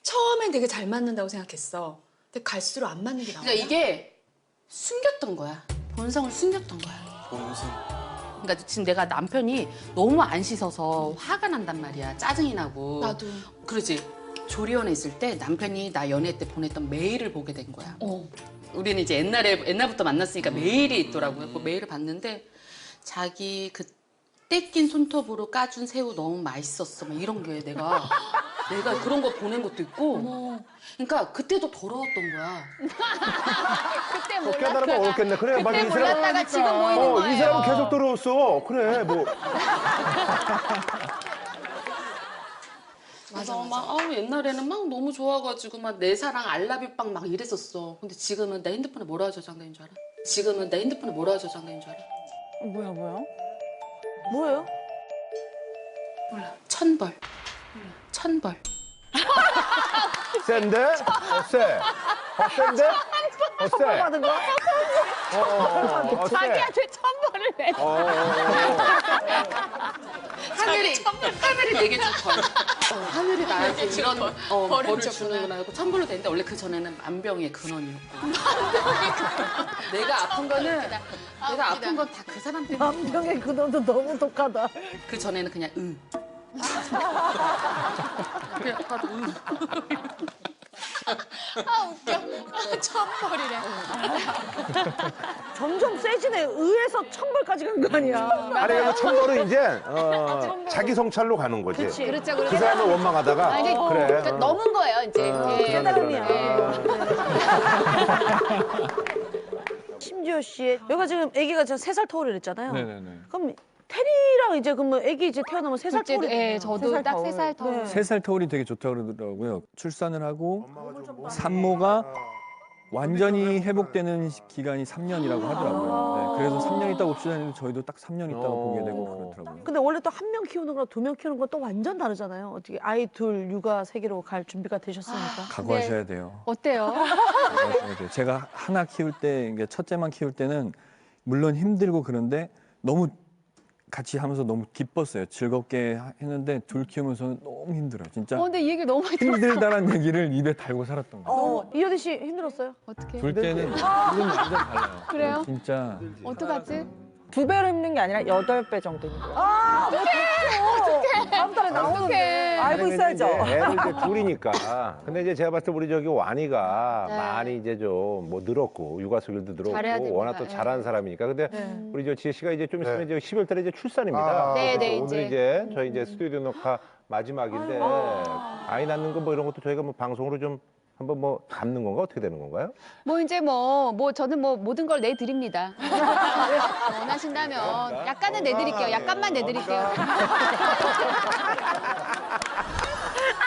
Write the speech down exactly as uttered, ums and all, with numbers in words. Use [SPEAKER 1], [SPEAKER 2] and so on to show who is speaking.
[SPEAKER 1] 처음엔 되게 잘 맞는다고 생각했어. 근데 갈수록 안 맞는 게 나와.
[SPEAKER 2] 그러니까 이게 숨겼던 거야. 본성을 숨겼던 거야.
[SPEAKER 3] 본성.
[SPEAKER 2] 그러니까 지금 내가 남편이 너무 안 씻어서 화가 난단 말이야. 짜증이 나고.
[SPEAKER 1] 나도.
[SPEAKER 2] 그러지. 조리원에 있을 때 남편이 나 연애 때 보냈던 메일을 보게 된 거야.
[SPEAKER 1] 어.
[SPEAKER 2] 우리는 이제 옛날에 옛날부터 만났으니까 메일이 있더라고요. 그 메일을 봤는데 자기 그 떼낀 손톱으로 까준 새우 너무 맛있었어. 막 이런 게 내가 내가 그런 거 보낸 것도 있고.
[SPEAKER 1] 어머.
[SPEAKER 2] 그러니까 그때도 더러웠던 거야.
[SPEAKER 4] 그때
[SPEAKER 5] 뭐 깨달으면
[SPEAKER 4] 몰랐다가
[SPEAKER 5] 어렵겠네. 그래, 맞아.
[SPEAKER 4] 그때
[SPEAKER 5] 이 사람,
[SPEAKER 4] 몰랐다가 지금 보이는
[SPEAKER 5] 어,
[SPEAKER 4] 거예요.
[SPEAKER 5] 이 사람은 계속 들어왔어. 그래, 뭐.
[SPEAKER 2] 맞아, 맞아. 막 아우, 옛날에는 막 너무 좋아가지고 막 내 사랑 알라뷰빵 막 이랬었어. 근데 지금은 내 핸드폰에 뭐라 저장된 줄 알아? 지금은 내 핸드폰에 뭐라 저장된 줄 알아?
[SPEAKER 4] 뭐야 뭐야? 뭐예요?
[SPEAKER 2] 몰라. 천벌. 몰라. 천벌.
[SPEAKER 5] 센데? 어, 세. 어, 센데? 어, 세.
[SPEAKER 4] 받은 거?
[SPEAKER 5] 어, 어, 어, 어, 세.
[SPEAKER 4] 자기한테 천벌을 내.
[SPEAKER 5] 어, 어, 어.
[SPEAKER 2] 하늘이 하늘이 내게 줄 벌. 어, 하늘이 나한테 이런 어, 벌을 주는구나 하고 천벌로 됐는데 원래 그 전에는 만병의 근원이었고. 내가 아픈 거는 내가 아픈 건 다 그 사람 때문에.
[SPEAKER 4] 남병의 그놈도 너무 독하다.
[SPEAKER 2] 그 전에는 그냥 응. 그냥 아파도 응.
[SPEAKER 1] 아 웃겨. 천벌이래.
[SPEAKER 4] 점점 세지네. 의에서 천벌까지 간 거 아니야.
[SPEAKER 5] 아니, 그러면 천벌은 이제, 어, 자기 성찰로 가는 거지.
[SPEAKER 4] 그치.
[SPEAKER 6] 그렇죠,
[SPEAKER 5] 그
[SPEAKER 6] 그렇죠.
[SPEAKER 5] 사람을 원망하다가,
[SPEAKER 6] 아, 이제
[SPEAKER 5] 그래.
[SPEAKER 6] 그러니까
[SPEAKER 5] 어.
[SPEAKER 6] 넘은 거예요, 이제.
[SPEAKER 5] 어,
[SPEAKER 6] 예.
[SPEAKER 4] 깨달음이야.
[SPEAKER 6] 예.
[SPEAKER 4] 심지어 씨, 여기가 지금 아기가 지금 세 살 터울을 했잖아요.
[SPEAKER 7] 네네네.
[SPEAKER 4] 그럼 테리랑 이제 그러면 아기 이제 태어나면 세 살
[SPEAKER 6] 둘째,
[SPEAKER 4] 터울이
[SPEAKER 6] 예, 저도 딱 세 살 터울.
[SPEAKER 4] 네.
[SPEAKER 7] 세 살 터울이 되게 좋다고 그러더라고요. 출산을 하고 산모가 완전히 회복되는 시- 기간이 삼 년이라고 하더라고요. 네, 그래서 삼 년 있다고 출산했는데 저희도 딱 삼 년 있다가
[SPEAKER 5] 어.
[SPEAKER 7] 보게 되고 그렇더라고요.
[SPEAKER 4] 근데 원래 또 한 명 키우는 거랑 두 명 키우는 건 또 완전 다르잖아요. 어떻게 아이 둘 육아 세계로 갈 준비가 되셨습니까?
[SPEAKER 7] 각오하셔야 돼요.
[SPEAKER 6] 어때요?
[SPEAKER 7] 각오하셔야 돼요. 제가 하나 키울 때, 이게 첫째만 키울 때는 물론 힘들고 그런데 너무 같이 하면서 너무 기뻤어요. 즐겁게 하- 했는데 둘 키우면서는 너무 힘들어요. 진짜
[SPEAKER 6] 어, 근데 이 얘기를 너무 많이 들었어.
[SPEAKER 7] 힘들다는 얘기를 입에 달고 살았던 거예요.
[SPEAKER 4] 어, 이효리 씨 힘들었어요?
[SPEAKER 6] 어떻게?
[SPEAKER 7] 둘째는 이건 완전 달라요.
[SPEAKER 6] 그래요?
[SPEAKER 7] 진짜
[SPEAKER 6] 어떡하지?
[SPEAKER 8] 두 배로 힘든 게 아니라 여덟 배 정도 힘든 거예요.
[SPEAKER 4] 아, 어떡해. 다음 달에 나오는데.
[SPEAKER 8] 알고 있어야죠.
[SPEAKER 5] 이제 애를 이제 둘이니까. 근데 이제 제가 봤을 때 우리 저기 와니가
[SPEAKER 6] 네.
[SPEAKER 5] 많이 이제 좀 뭐 늘었고 육아 스킬도
[SPEAKER 6] 잘해야
[SPEAKER 5] 늘었고
[SPEAKER 6] 됩니다.
[SPEAKER 5] 워낙 또
[SPEAKER 6] 예.
[SPEAKER 5] 잘하는 사람이니까. 근데
[SPEAKER 4] 네.
[SPEAKER 5] 우리 저 지혜 씨가 이제 좀 있으면
[SPEAKER 3] 네.
[SPEAKER 5] 이제 십이월 달에 이제 출산입니다.
[SPEAKER 3] 아.
[SPEAKER 6] 네, 네,
[SPEAKER 5] 그래서 오늘
[SPEAKER 6] 이제.
[SPEAKER 5] 이제 저희 이제 스튜디오 녹화 마지막인데 아이 낳는 거 뭐 이런 것도 저희가 뭐 방송으로 좀 한번 뭐 담는 건가 어떻게 되는 건가요?
[SPEAKER 6] 뭐 이제 뭐, 뭐 저는 뭐 모든 걸 내드립니다. 원하신다면 약간은 내드릴게요. 약간만 내드릴게요.